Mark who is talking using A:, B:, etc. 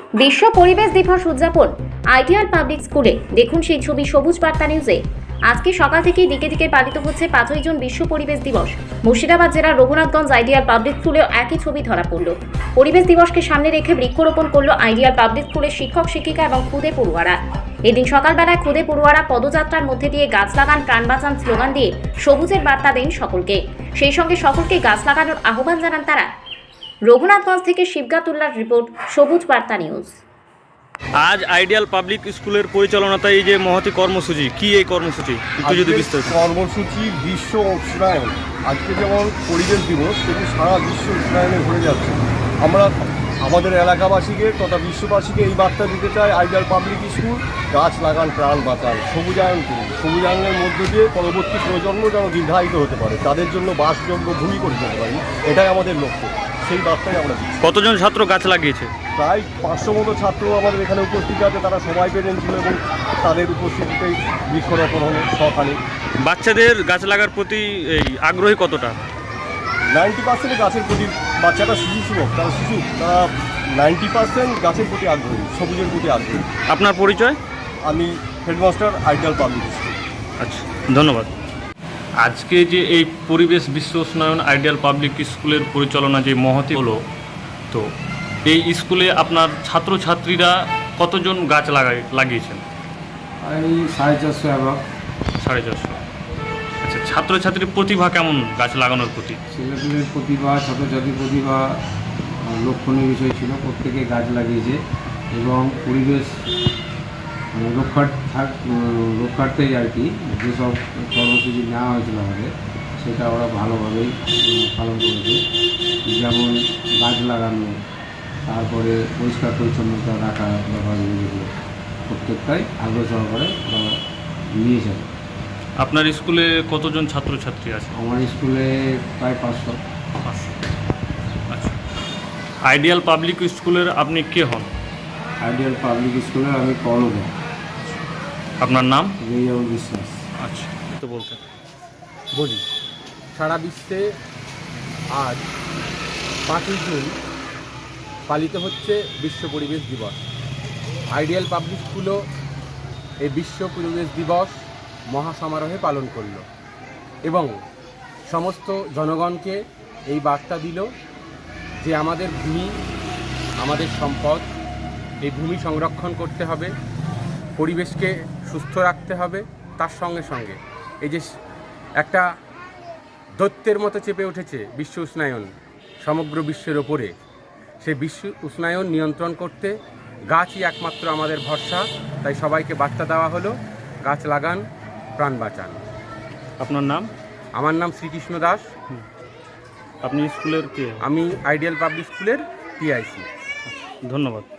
A: বিশ্ব পরিবেশ দিবস উদযাপন আইডিয়াল পাবলিক স্কুলে। দেখুন সেই ছবি সবুজ বার্তা নিউজে। আজকে সকাল থেকেই দিকে দিকে পালিত হচ্ছে 5ই জুন বিশ্ব পরিবেশ দিবস। মুর্শিদাবাদ জেলার রঘুনাথগঞ্জ আইডিয়াল পাবলিক স্কুলেও একই ছবি ধরা পড়ল। পরিবেশ দিবসকে সামনে রেখে বৃক্ষরোপণ করল আইডিয়াল পাবলিক স্কুলের শিক্ষক শিক্ষিকা এবং খুদে পড়ুয়ারা। এদিন সকালবেলায় খুদে পড়ুয়ারা পদযাত্রার মধ্যে দিয়ে গাছ লাগান প্রাণ বাঁচান স্লোগান দিয়ে সবুজের বার্তা দেন সকলকে। সেই সঙ্গে সকলকে গাছ লাগানোর আহ্বান জানান তারা। রঘুনাথগঞ্জ থেকে শিবগাতুল্লাহর রিপোর্ট, সবুজ বার্তা নিউজ।
B: আজ আইডিয়াল পাবলিক স্কুলের পরিচালনাতে এই যে মহতি কর্মসূচি, কি এই কর্মসূচি একটু যদি বিস্তারিত।
C: কর্মসূচি বিশ্ব উষ্ণায়ন। আজকে যেমন পরিবেশ দিবস, কিন্তু সারা বিশ্ব উষ্ণায়নে ঘুরে যাচ্ছে। আমরা আমাদের এলাকাবাসীকে তথা বিশ্ববাসীকে এই বার্তা দিতে চাই, আইডিয়াল পাবলিক স্কুল গাছ লাগান প্রাণ বাঁচান, সবুজায়ন করুন। সবুজায়নের মধ্য দিয়ে পরবর্তী প্রজন্ম যেন দীর্ঘায়িত হতে পারে, তাদের জন্য বাসযোগ্য ভূমি করে দিতে পারি, এটাই আমাদের লক্ষ্য। সেই বার্তাই আমরা দিচ্ছি।
B: কতজন ছাত্র গাছ লাগিয়েছে?
C: প্রায় 500 মতো ছাত্র আমাদের এখানে উপস্থিত আছে। তারা সবাই পেরেন ছিল এবং তাদের উপস্থিতিতেই বৃক্ষরোপণ হলো সখানে।
B: বাচ্চাদের গাছ লাগার প্রতি এই আগ্রহী কতটা?
C: 90% গাছের প্রতি, বাচ্চাটা শিশু সুলভ, তারা 90% গাছের প্রতি আগ্রহী, সবুজের প্রতি আগ্রহী।
B: আপনার পরিচয়?
C: আমি হেডমাস্টার, আইডিয়াল পাবলিক স্কুল।
B: আচ্ছা, ধন্যবাদ। আজকে যে এই পরিবেশ বিশ্ব উষ্ণায়ন আইডিয়াল পাবলিক স্কুলের পরিচালনা যে মহতি হলো, তো এই স্কুলে আপনার ছাত্রছাত্রীরা কতজন গাছ লাগিয়েছেন?
D: এই 450 অ্যাভাব।
B: 450। আচ্ছা, ছাত্রছাত্রীর প্রতিভা কেমন গাছ লাগানোর প্রতি?
D: ছেলেপেলের প্রতিভা, ছাত্রছাত্রীর প্রতিভা লক্ষণীয় বিষয় ছিল। প্রত্যেকে গাছ লাগিয়েছে এবং পরিবেশ রক্ষার্থেই আর কি যেসব কর্মসূচি নেওয়া হয়েছিল আমাদের, সেটা ওরা ভালোভাবেই পালন করেছে। যেমন গাছ লাগানো, তারপরে পরিষ্কার পরিচ্ছন্নতা রাখা ব্যাপারগুলো প্রত্যেকটাই আগ্রহ সহকারে ওরা নিয়েছে।
B: আপনার স্কুলে কতজন ছাত্রছাত্রী আছে?
D: আমার স্কুলে প্রায় 500।
B: আচ্ছা, আইডিয়াল পাবলিক স্কুলের আপনি কে হন?
D: আইডিয়াল পাবলিক স্কুলের আমি কর্ণধার।
B: আপনার নাম?
D: রেয়াউল বিশ্বাস।
B: আচ্ছা, তো বলতে
E: বলি, সারা বিশ্বে আজ 5ই জুন পালিত হচ্ছে বিশ্ব পরিবেশ দিবস। আইডিয়াল পাবলিক স্কুলও এই বিশ্ব পরিবেশ দিবস মহাসমারোহে পালন করল এবং সমস্ত জনগণকে এই বার্তা দিল যে আমাদের ভূমি আমাদের সম্পদ, এই ভূমি সংরক্ষণ করতে হবে, পরিবেশকে সুস্থ রাখতে হবে। তার সঙ্গে সঙ্গে এই যে একটা দৈত্যের মতো চেপে উঠেছে বিশ্ব উষ্ণায়ন সমগ্র বিশ্বের ওপরে, সেই বিশ্ব উষ্ণায়ন নিয়ন্ত্রণ করতে গাছই একমাত্র আমাদের ভরসা। তাই সবাইকে বার্তা দেওয়া হলো, গাছ লাগান প্রাণ বাঁচান।
B: আপনার নাম?
E: আমার নাম শ্রীকৃষ্ণ দাস।
B: আপনি স্কুলের কে?
E: আমি আইডিয়াল পাবলিক স্কুলের PIC।
B: ধন্যবাদ।